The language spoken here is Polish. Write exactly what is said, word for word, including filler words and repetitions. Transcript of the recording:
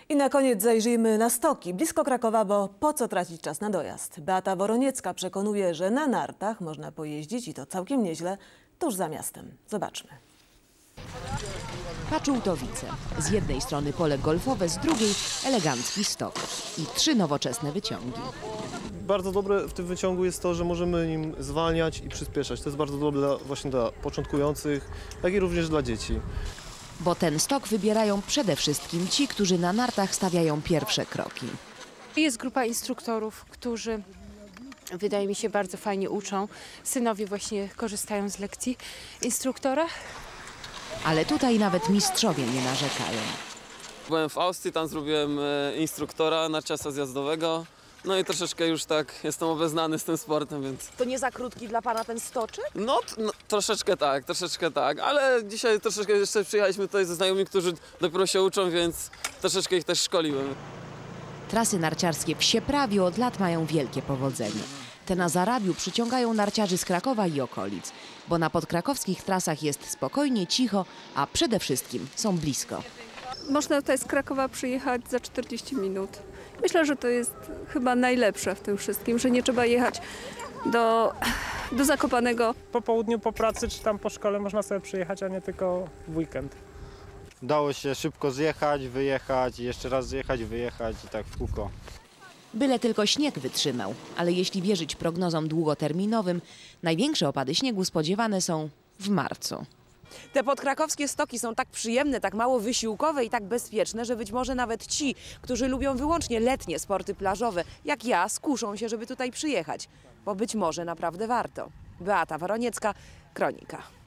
I na koniec zajrzyjmy na stoki blisko Krakowa, bo po co tracić czas na dojazd? Beata Woroniecka przekonuje, że na nartach można pojeździć i to całkiem nieźle tuż za miastem. Zobaczmy. Paczultowice. Z jednej strony pole golfowe, z drugiej elegancki stok i trzy nowoczesne wyciągi. Bardzo dobre w tym wyciągu jest to, że możemy nim zwalniać i przyspieszać. To jest bardzo dobre dla, właśnie dla początkujących, jak i również dla dzieci. Bo ten stok wybierają przede wszystkim ci, którzy na nartach stawiają pierwsze kroki. Jest grupa instruktorów, którzy, wydaje mi się, bardzo fajnie uczą. Synowie właśnie korzystają z lekcji instruktora. Ale tutaj nawet mistrzowie nie narzekają. Byłem w Austrii, tam zrobiłem instruktora narciarstwa zjazdowego. No i troszeczkę już tak jestem obeznany z tym sportem, więc... To nie za krótki dla pana ten stoczek? No, no troszeczkę tak, troszeczkę tak, ale dzisiaj troszeczkę jeszcze przyjechaliśmy tutaj ze znajomymi, którzy dopiero się uczą, więc troszeczkę ich też szkoliłem. Trasy narciarskie w Sieprawiu od lat mają wielkie powodzenie. Te na Zarabiu przyciągają narciarzy z Krakowa i okolic, bo na podkrakowskich trasach jest spokojnie, cicho, a przede wszystkim są blisko. Można tutaj z Krakowa przyjechać za czterdzieści minut. Myślę, że to jest chyba najlepsze w tym wszystkim, że nie trzeba jechać do, do Zakopanego. Po południu, po pracy czy tam po szkole można sobie przyjechać, a nie tylko w weekend. Dało się szybko zjechać, wyjechać, jeszcze raz zjechać, wyjechać i tak w kółko. Byle tylko śnieg wytrzymał, ale jeśli wierzyć prognozom długoterminowym, największe opady śniegu spodziewane są w marcu. Te podkrakowskie stoki są tak przyjemne, tak mało wysiłkowe i tak bezpieczne, że być może nawet ci, którzy lubią wyłącznie letnie sporty plażowe, jak ja, skuszą się, żeby tutaj przyjechać. Bo być może naprawdę warto. Beata Woroniecka, Kronika.